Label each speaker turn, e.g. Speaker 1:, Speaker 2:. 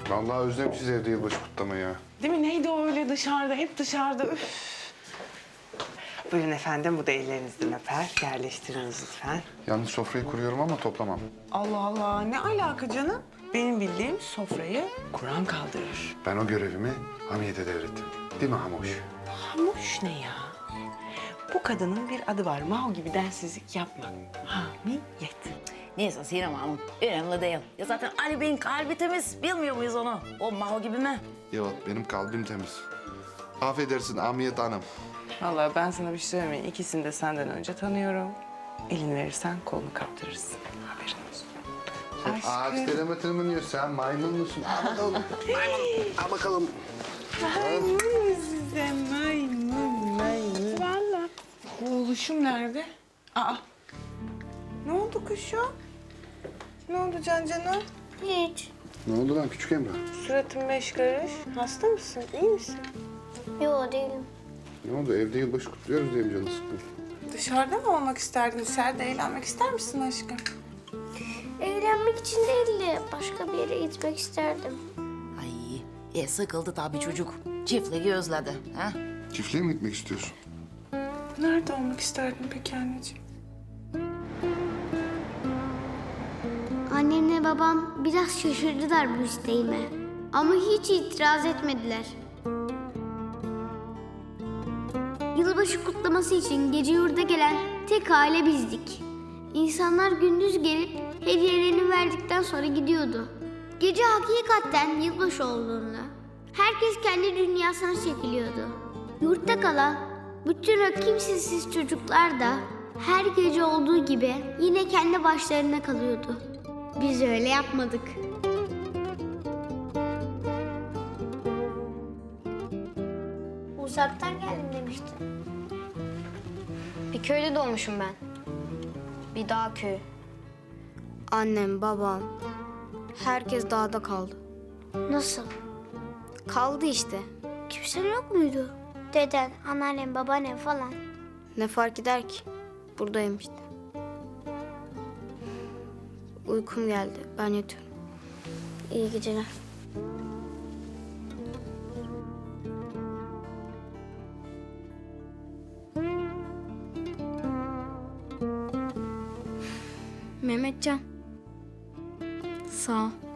Speaker 1: Vallahi özlemişiz evde yılbaşı kutlamayı ya.
Speaker 2: Değil mi? Neydi o öyle dışarıda? Hep dışarıda. Üf. Buyurun efendim, bu da ellerinizden öper. Yerleştiriniz lütfen.
Speaker 1: Yalnız sofrayı kuruyorum ama toplamam.
Speaker 2: Allah Allah, ne alaka canım? Benim bildiğim sofrayı Kur'an kaldırır.
Speaker 1: Ben o görevimi Hamiyet'e devrettim. Değil mi Hamuş?
Speaker 2: Hamuş ne ya? Bu kadının bir adı var. Mao gibi densizlik yapma. Hamiyet.
Speaker 3: Neyse Sinem Hanım, önemli değil. Ya zaten Ali Bey'in kalbi temiz, bilmiyor muyuz onu? O Maho gibi mi?
Speaker 1: Yok, benim kalbim temiz. Affedersin Hamiyet Hanım.
Speaker 2: Vallahi ben sana bir şey söyleyeyim mi? İkisini de senden önce tanıyorum. Elini verirsen kolunu kaptırırsın. Haberin olsun.
Speaker 1: Ağaç deneme tırmanıyor. Sen maymun musun? Al bakalım. Maymun. Al bakalım.
Speaker 2: Maymun size, maymun. Vallahi. Oğluşum nerede? Aa. Ne oldu kuşum? Ne oldu Cancan'a?
Speaker 4: Hiç.
Speaker 1: Ne oldu lan küçük Emrah?
Speaker 2: Suratın beş karış. Hasta mısın? İyi misin?
Speaker 4: Yo değilim.
Speaker 1: Ne oldu? Evde yılbaşı kutluyoruz diye mi canı sıkkın?
Speaker 2: Dışarıda mı olmak isterdin? Dışarıda eğlenmek ister misin aşkım?
Speaker 4: Eğlenmek için değil de başka bir yere gitmek isterdim.
Speaker 3: Ay, sıkıldı tabii çocuk. Çiftliği özledi. Ha?
Speaker 1: Çiftliğe mi gitmek istiyorsun?
Speaker 2: Nerede olmak isterdin peki anneciğim?
Speaker 4: Annemle babam biraz şaşırdılar bu isteğime. Ama hiç itiraz etmediler. Yılbaşı kutlaması için gece yurda gelen tek aile bizdik. İnsanlar gündüz gelip hediyelerini verdikten sonra gidiyordu. Gece hakikaten yılbaşı olduğunda herkes kendi dünyasına çekiliyordu. Yurtta kalan bütün o kimsesiz çocuklar da her gece olduğu gibi yine kendi başlarına kalıyordu. Biz öyle yapmadık. Uzaktan geldim demiştin.
Speaker 5: Bir köyde doğmuşum ben. Bir dağ köyü. Annem, babam, herkes dağda kaldı.
Speaker 4: Nasıl?
Speaker 5: Kaldı işte.
Speaker 4: Kimse yok muydu? Deden, anneannem, babaannem falan.
Speaker 5: Ne fark eder ki? Buradayım işte. Uykum geldi. Ben yatıyorum.
Speaker 4: İyi geceler.
Speaker 5: Mehmetcan. Sağ ol.